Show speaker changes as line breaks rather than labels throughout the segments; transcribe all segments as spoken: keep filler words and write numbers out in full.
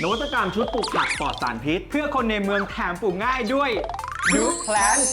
นวัตกรรมชุดปลูกผักปลอดสารพิษ
เพื่อคนในเมืองแถมปลูกง่ายด้วย Root Plant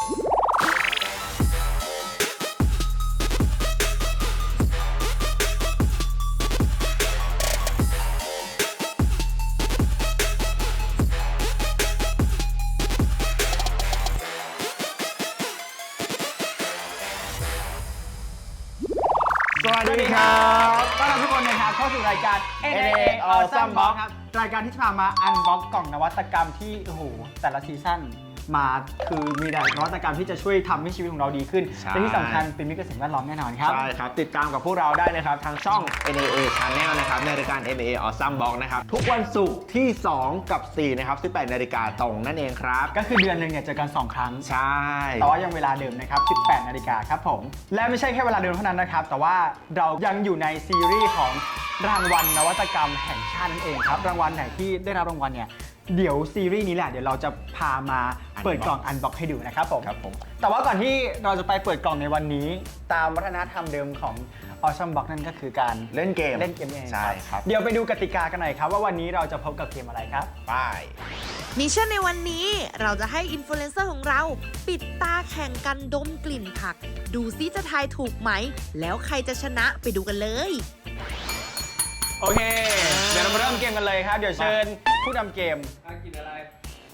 สวัสดีครับ
ต้อนรับทุกคนนะครับเข้าสู่รายการ เอ็น เอ
Awesome Box
ครับรายการที่จะพามาอันบ็อกกล่องนวัตกรรมที่โอ้โหแต่ละซีซั่นมาคือมีแต่นวัตกรรมที่จะช่วยทำให้ชีวิตของเราดีขึ้นและที่สำคัญเป็นมิตรกับสิ่งแวดล้อมแน่นอนครับ
ใช่ครับติดตามกับพวกเราได้นะครับทางช่อง เอ็น เอ เอ Channel นะครับในรายการ เอ็น เอ Awesome Box นะครับทุกวันศุกร์ที่สองกับสี่นะครับสิบแปดนาฬิกาตรงนั่นเองครับ
ก็คือเดือนหนึ่งเนี่ยเจอกันสองครั้ง
ใช่
แต่ว่ายังเวลาเดิมนะครับสิบแปดนาฬิกาครับผมและไม่ใช่แค่เวลาเดิมเท่านั้นนะครับแต่ว่าเรายังอยู่ในซีรีส์ของรางวัลนวัตกรรมแห่งชาตินั่นเองครับรางวัลไหนที่ได้รับรางวัลเนี่ยเดี๋ยวซีรีส์นี้แหละเดี๋ยวเราจะพามาเปิดกล่องอันบ็อกให้ดูนะครับผม
ครับผม
แต่ว่าก่อนที่เราจะไปเปิดกล่องในวันนี้ตามวัฒนธรรมเดิมของ Awesome Box นั่นก็คือการ
เล่นเกม
เล่นเกมเอง
ใช่ครับ
เดี๋ยวไปดูกติกากันหน่อยครับว่าวันนี้เราจะพบกับเกมอะไรครับ
ไป
มิชชั่นในวันนี้เราจะให้อินฟลูเอนเซอร์ของเราปิดตาแข่งกันดมกลิ่นผักดูซิจะทายถูกไหมแล้วใครจะชนะไปดูกันเลย
โอเคเดี๋ยวเรามาเริ่มเกมกันเลยครับเดี๋ยวเชิญผู้นำเกม
กินอะไร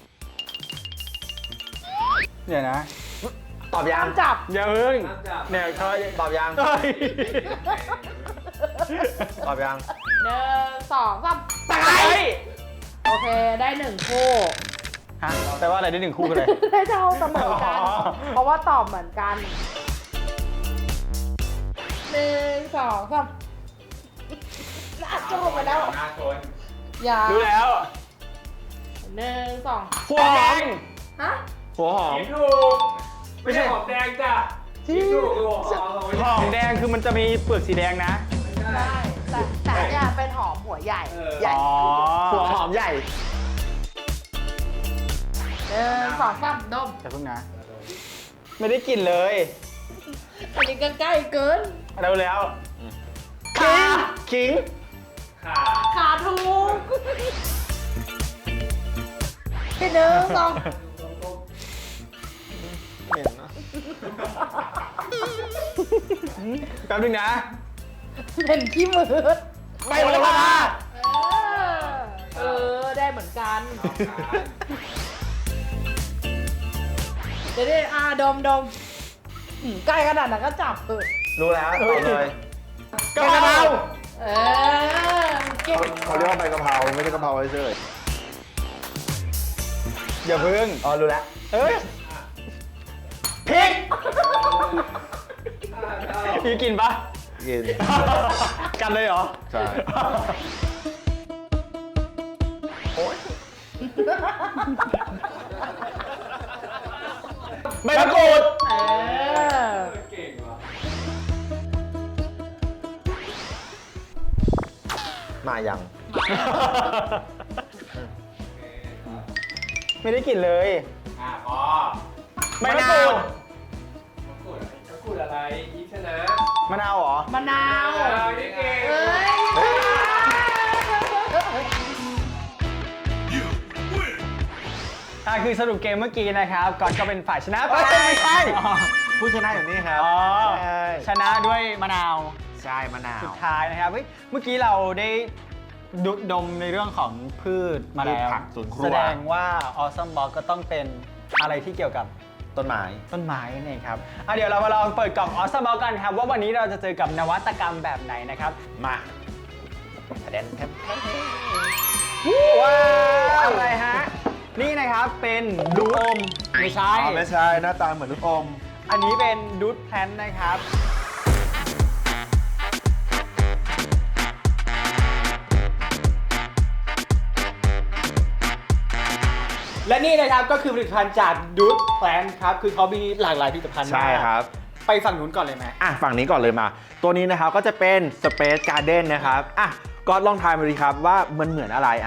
เดี๋ยวนะ
ตอบยัง
จับอย่าเพิ่งเนี่ยเขา
ตอบยังตอบยัง
หนึ่งสองสาม
ตาย
โอเคได้หนึ่งคู่
ฮะแปลว่าอะไรได้หนึ่งคู่กันเลย
ได้เท่าเสมอกัน เพราะว่าตอบเหมือนกันหนึ่งสองสามน่าจะลงไปแล้วอย่า
รู้แล้ว
หนึ่งสอง
หัวหอม
ฮะ
หัวหอม
ถูกไม่ใช่หอมแดงจ้ะที่ถูกหัวหอม
หอมแดงคือมันจะมีเปลือกสีแดงนะ
ได้แต่แต่เนี่ยเป็นหอมหัวใหญ่ใหญ่
หัวหอมใหญ่
หนึ่งสองสามดม
แต่เพิ่งนะไม่ได้กลิ่นเลย
อันนี้ก็ใกล้เกิน
เร็วแล้วขิงขิง
ขา
ขาถูกที่หนึ่งสอง
เหม็นนะ
แป๊บนึงนะ
เป็นขี้มือ
ไม่โหระพา
เออได้เหมือนกันเดี๋ยวดิอาดมดมใกล้ขนาดนั้นก็จับเถอะ
รู้แล้วตอบเลย
กะเพรา
เออเก่ง
เขาเรียกว่าใบกะเพราไม่ใช่กะเพราเฉย
อย่าพึ่ง
อ๋อรู้แล้ว
เอ้ยพริกมีกินปะ
กิน
กันเลยเหรอ
ใช่โอ๊ย
ใบมะกรูด
เออ
เก่งว่ะ
มายัง
ไม่ได้กลิ่นเลย
อ่ะพอ
ใบมะกรูด
มะกรูดมะกรูดอะไรอีชนะ
มะนาวเหรอ
มะนาว
เออนี่เก่ง
เอ้ย
อ่ะคือสรุปเกมเมื่อกี้นะครับก่อนก็เป็นฝ่ายชนะไป
ไม่ใช่ผู้ชนะอยู่นี่ครับ
ชนะด้วยมะนาว
ใช่มะนาว
สุดท้ายนะครับเมื่อกี้เราได้ดูดมในเรื่องของพืชมาแล้วแสดงว่า Awesome Box ก็ต้องเป็นอะไรที่เกี่ยวกับ
ต้นไม้
ต้นไม้นั่นเองครับอ่ะเดี๋ยวเรามาลองเปิดกล่อง Awesome Box กันครับว่าวันนี้เราจะเจอกับนวัตกรรมแบบไหนนะครับ
มาแดนแทบ
ว้าวอะไรฮะนี่นะครับเป็นดูอมไม่ใช่
ไม่ใช่หน้าตาเหมือนลูกอม
อันนี้เป็นดูดแพลนนะครับและนี่นะครับก็คือผลิตภัณฑ์จากดูดแพลนครับคือเขามีหลากหลายผลิตภัณฑ์มาก
ใช่ครับ
ไปฝั่งนู้นก่อนเลยไหม
อ่ะฝั่งนี้ก่อนเลยมาตัวนี้นะครับก็จะเป็น Space Garden นะครับอ่ะก็ลองทายมาดีครับว่ามันเหมือนอะไรอ่ะ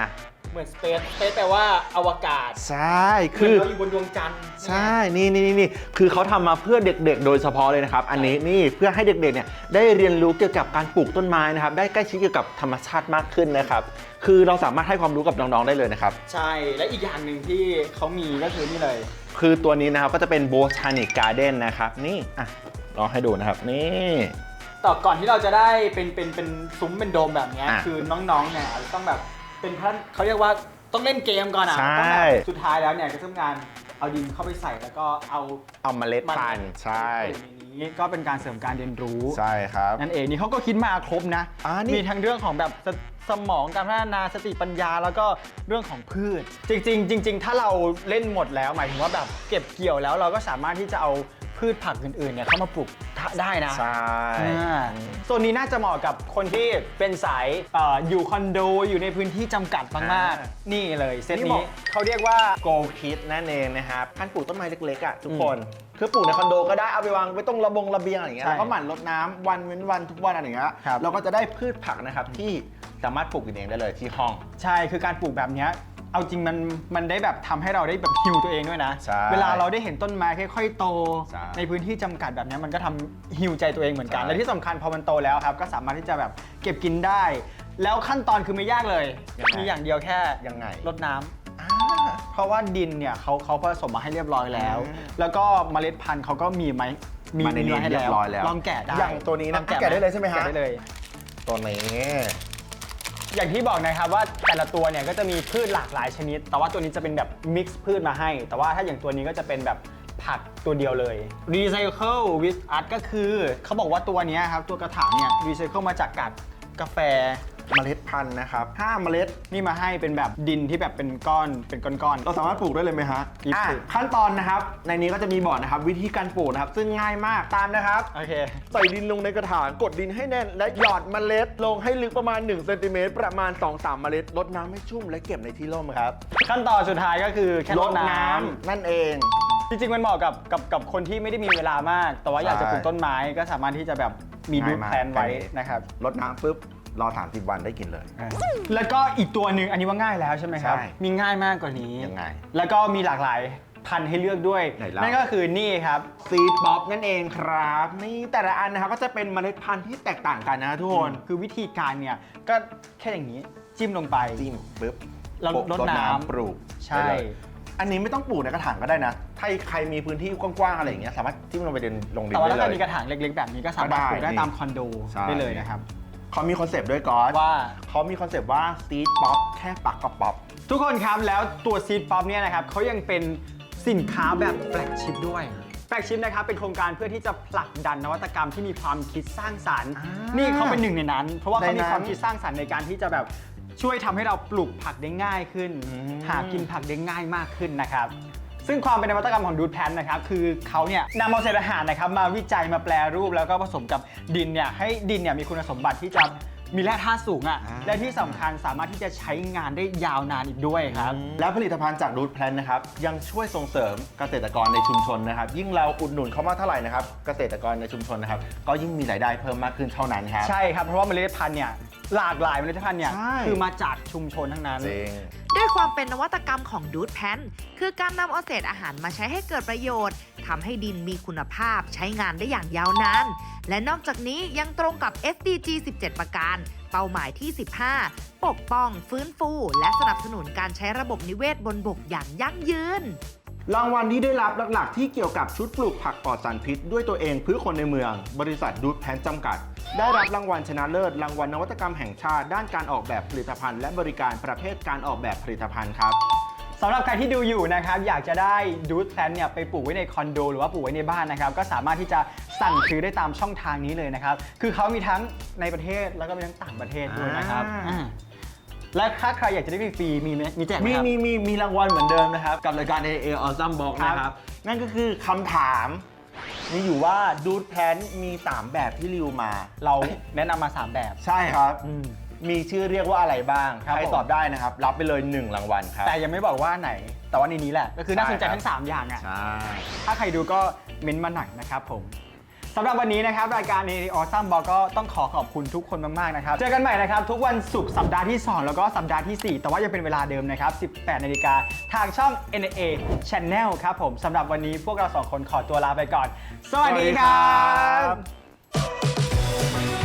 เหมือน space space แปลว่าอวกาศ
ใช่
คื
คือ อ
เราอยู่บนดวงจันทร์
ใช่ นี่นี่นี่นี่คือเขาทำมาเพื่อเด็กๆ โดยเฉพาะเลยนะครับ อันนี้นี่เพื่อให้เด็กๆ เนี่ยได้เรียนรู้เกี่ยวกับการปลูกต้นไม้นะครับ ได้ใกล้ชิดเกี่ยวกับธรรมชาติมากขึ้นนะครับ คือเราสามารถให้ความรู้กับน้องๆ ได้เลยนะครับ
ใช่ และอีกอย่างหนึ่งที่เขามีก็คือนี่เลย
คือตัวนี้นะครับก็จะเป็น Botanic Garden นะครับ นี่ อ่ะลองให้ดูนะครับ นี่
ต่อก่อนที่เราจะได้เป็นเป็นเป็นซุ้มเป็นโดมแบบเนี้ย
อ่ะ
คือน้องๆ เนี่ยอาจจะต้องแบบเป็นท่านเขาเรียกว่าต้องเล่นเกมก่อนอ่ะ
ใช่
ต้องแบบสุดท้ายแล้วเนี่ยก็ต้องการเอาดินเข้าไปใส่แล้วก็เอา
เอาเมล็ดพันธุ์ใช่
ในนี้ก็เป็นการเสริมการเรียนรู้
ใช่ครับ
นั่นเองนี่เขาก็คิดมาครบนะ
อ่านี่
มีทั้งเรื่องของแบบสสมองการพัฒนาสติปัญญาแล้วก็เรื่องของพืช จริงๆจริง ๆ ถ้าเราเล่นหมดแล้วหมายถึงว่าแบบเก็บเกี่ยวแล้วเราก็สามารถที่จะเอาพืชผักอื่นๆเนี่ยเข้ามาปลูกได้นะ
ใช่
อ่าส่วนนี้น่าจะเหมาะกับคนที่เป็นสายเอ่ออยู่คอนโดอยู่ในพื้นที่จำกัดมากๆนี่เลยเซต
นี่บอ
นี้
กเขาเรียกว่า Go Kit นั่นเองนะครับการปลูกต้นไม้เล็กๆอ่ะทุกคน คือปลูกในคอนโดก็ได้เอาไปวางไว้ตรงระบงระเบียงอะไรอย่างเงี้ย
ใช่
แล้วก็หมั่นรดน้ำวันเว้นวันทุกวันอะไรอย่างเงี้ย
ครับ
เราก็จะได้พืชผักนะครับที่สามารถปลูกกินเองได้เลยที่ห้อง
ใช่คือการปลูกแบบเนี้ยเอาจริงมันมันได้แบบทำให้เราได้แบบฮิวตัวเองด้วยนะ
ใช่
เวลาเราได้เห็นต้นไม้ค่อยๆโต
ใช่
ในพื้นที่จำกัดแบบเนี้ยมันก็ทำฮิวใจตัวเองเหมือนกัน
ใช่
และที่สำคัญพอมันโตแล้วครับก็สามารถที่จะแบบเก็บกินได้ แล้วขั้นตอนคือไม่ยากเลย มีอย่างเดียวแค่
ยังไง
รดน้ำเพราะว่าดินเนี่ยเขาเขาผสมมาให้เรียบร้อยแล้ว
อ่า
แล้วก็เมล็ดพันธุ์เขาก็มีไหมมี
มาในนี้
ให้
เรียบร้อยแล้ว
ลองแกะได้
อย่างตัวนี้นะ
ลอง
แกะได้เลยใช่ไหมฮะ
แกะได้เลย
ตัวนี้
อย่างที่บอกนะครับว่าแต่ละตัวเนี่ยก็จะมีพืชหลากหลายชนิด แต่ว่าตัวนี้จะเป็นแบบมิกซ์พืชมาให้ แต่ว่าถ้าอย่างตัวนี้ก็จะเป็นแบบผักตัวเดียวเลย Recycle with Art ก็คือเขาบอกว่าตัวเนี้ยครับตัวกระถางเนี่ย Recycle มาจากกากกาแฟ
เมล็ดพันธุ์นะครับห้าเมล็ด
นี่มาให้เป็นแบบดินที่แบบเป็นก้อนเป็นก้อนๆ
เราสามารถปลูกได้เลยไหมฮะ
หยิบ
อ่ะ
ปลูก
ขั้นตอนนะครับ ในนี้ก็จะมีบอกนะครับ วิธีการปลูกนะครับ ซึ่งง่ายมากตามนะครับ
โอเค
ใส่ดินลงในกระถางกดดินให้แน่น และหยอดเมล็ดลงให้ลึกประมาณหนึ่งเซนติเมตรประมาณ สองถึงสาม เมล็ดรดน้ำให้ชุ่มและเก็บในที่ร่มครับ
ขั้นตอนสุดท้ายก็คือแค่รดน้ำ
นั่นเอง
จริงๆ มันเหมาะกับกับกับคนที่ไม่ได้มีเวลามาก แต่ว่าอยากจะปลูกต้นไม้ก็สามารถที่จะแบบมีดู
ง่ายมาก
แพลนไว้นะครับ
รดน้ำปุ๊บรอสามสิบวันได้กินเลย
แล้วก็อีกตัวหนึ่งอันนี้ว่าง่ายแล้วใช่ไหมครับ
ใช่
มีง่ายมากกว่านี้
ยังไง
แล้วก็มีหลากหลายพันธุ์ให้เลือกด้วย
ไหนเล่า
นั่นก็คือนี่ครับ
ซีดบ๊อบนั่นเองครับ นี่แต่ละอันนะครับก็จะเป็นเมล็ดพันธุ์ที่แตกต่างกันนะทุกคน
คือวิธีการเนี่ยก็แค่อย่างนี้จิ้มลงไป
จิ้มปุ๊บ
แล้ว
โปะ
รดน้ำ
ปลูก
ใช่
ได้เลยอันนี้ไม่ต้องปลูกในกระถางก็ได้นะ ถ้าใครมีพื้นที่กว้างๆอะไรอย่างเงี้ยสามารถจิ้มลงไปเดินลงดิน
แต่ว่า
ได้
ถ้า
เลย
มีกระถางเล็กๆ แบบนี้ก็สามารถปลูกได้
ก็ได้
ตามคอนโด
ใช่
ได้เลยนะครับ
เขามีคอนเซปต์ด้วยก่อน
ว่า
เขามีคอนเซปต์ว่าซีดป๊อปแค่ปักกับป๊อป
ทุกคนครับแล้วตัวซีดป๊อปเนี่ยนะครับเขายังเป็นสินค้าแบบแฟลกชิพด้วยแฟลกชิพนะครับเป็นโครงการเพื่อที่จะผลักดันนวัตกรรมที่มีความคิดสร้างสรรค์
อ่านี่
นี่เขาเป็นหนึ่งในนั้น เพราะว่าเขา
ในนั้
มี
น
ความคิดสร้างสรรค์ในการที่จะแบบช่วยทำให้เราปลูกผักได้ง่ายขึ้น
อืม
หากินผักได้ง่ายมากขึ้นนะครับซึ่งความเป็นนวัตกรรมของดูดแพลนนะครับคือเขาเนี่ยนำเอาเศษอาหารนะครับมาวิจัยมาแปลรูปแล้วก็ผสมกับดินเนี่ยให้ดินเนี่ยมีคุณสมบัติที่จะมีแร่ธาตุสูงอ่ะ
อ่า
และที่สำคัญสามารถที่จะใช้งานได้ยาวนานอีกด้วยครับ
แล้วผลิตภัณฑ์จากรูทแพลนนะครับยังช่วยส่งเสริมเกษตรกรในชุมชนนะครับ ยิ่งเราอุดหนุนเขามากเท่าไหร่นะครับเกษตรกรในชุมชนนะครับก็ยิ่งมีรายได้เพิ่มมากขึ้นเท่านั้นครับ
ใช่ครับเพราะว่าเมล็ดพันธุ์เนี่ยหลากหลายเมล็ดพันธุ์เนี่ย
ใช่
คือมาจากชุมชนทั้งนั้น
จริง
ด้วยความเป็นนวัตกรรมของดูดแพนคือการนำเอาเศษอาหารมาใช้ให้เกิดประโยชน์ทำให้ดินมีคุณภาพใช้งานได้อย่างยาวนาน และนอกจากนี้ยังตรงกับ เอส ดี จี สิบเจ็ด ประการ เป้าหมายที่ สิบห้า ปกป้อง ฟื้นฟู และสนับสนุนการใช้ระบบนิเวศบนบกอย่างยั่งยืน
รางวัลที่ได้รับหลักๆ ที่เกี่ยวกับชุดปลูกผักปลอดสารพิษด้วยตัวเองเพื่อคนในเมือง บริษัทดูดแพนจำกัด ได้รับรางวัลชนะเลิศรางวัลนวัตกรรมแห่งชาติด้านการออกแบบผลิตภัณฑ์และบริการประเภทการออกแบบผลิตภัณฑ์ครับ
สำหรับใครที่ดูอยู่นะครับอยากจะได้ดูดแพลนเนี่ยไปปลูกไว้ในคอนโดหรือว่าปลูกไว้ในบ้านนะครับก็สามารถที่จะสั่งซื้อได้ตามช่องทางนี้เลยนะครับคือเขามีทั้งในประเทศแล้วก็มีทั้งต่างประเทศด้วยนะครับ
อ่า
อ่าและถ้าใครอยากจะได้ฟรีๆมีไหมมีแจกไหม
มี
ครับ
มีมีมีรางวัลเหมือนเดิมนะครับ กับรายการ เอ เอ Awesome Box
ครับ
นะครับ นั่นก็คือคำถามมีอยู่ว่าดูดแพนมี สาม แบบที่ริวมา
เราแนะนำมาสามแบบ
ใช่ครับ
อืม
มีชื่อเรียกว่าอะไรบ้าง
ครับ
ใคร
ผม
ตอบได้นะครับ รับไปเลย หนึ่ง รางวัลครับ
แต่ยังไม่บอกว่าไหน แต่ว่าในนี้แหละก็คือน่าสนใจ
ใช่ครับ
ทั้งสามอย่างอ่ะ
ใช่
ถ้าใครดูก็เม้นต์มาหน่อยนะครับผมสำหรับวันนี้นะครับรายการ ใน Awesome Ball ก็ต้องขอขอบคุณทุกคนมากๆนะครับเจอกันใหม่นะครับทุกวันศุกร์สัปดาห์ที่สองแล้วก็สัปดาห์ที่สี่แต่ว่ายังเป็นเวลาเดิมนะครับสิบแปดนาฬิกาทางช่อง เอ็น เอ Channel ครับผมสำหรับวันนี้พวกเราสองคนขอตัวลาไปก่อนสวัสดีครับ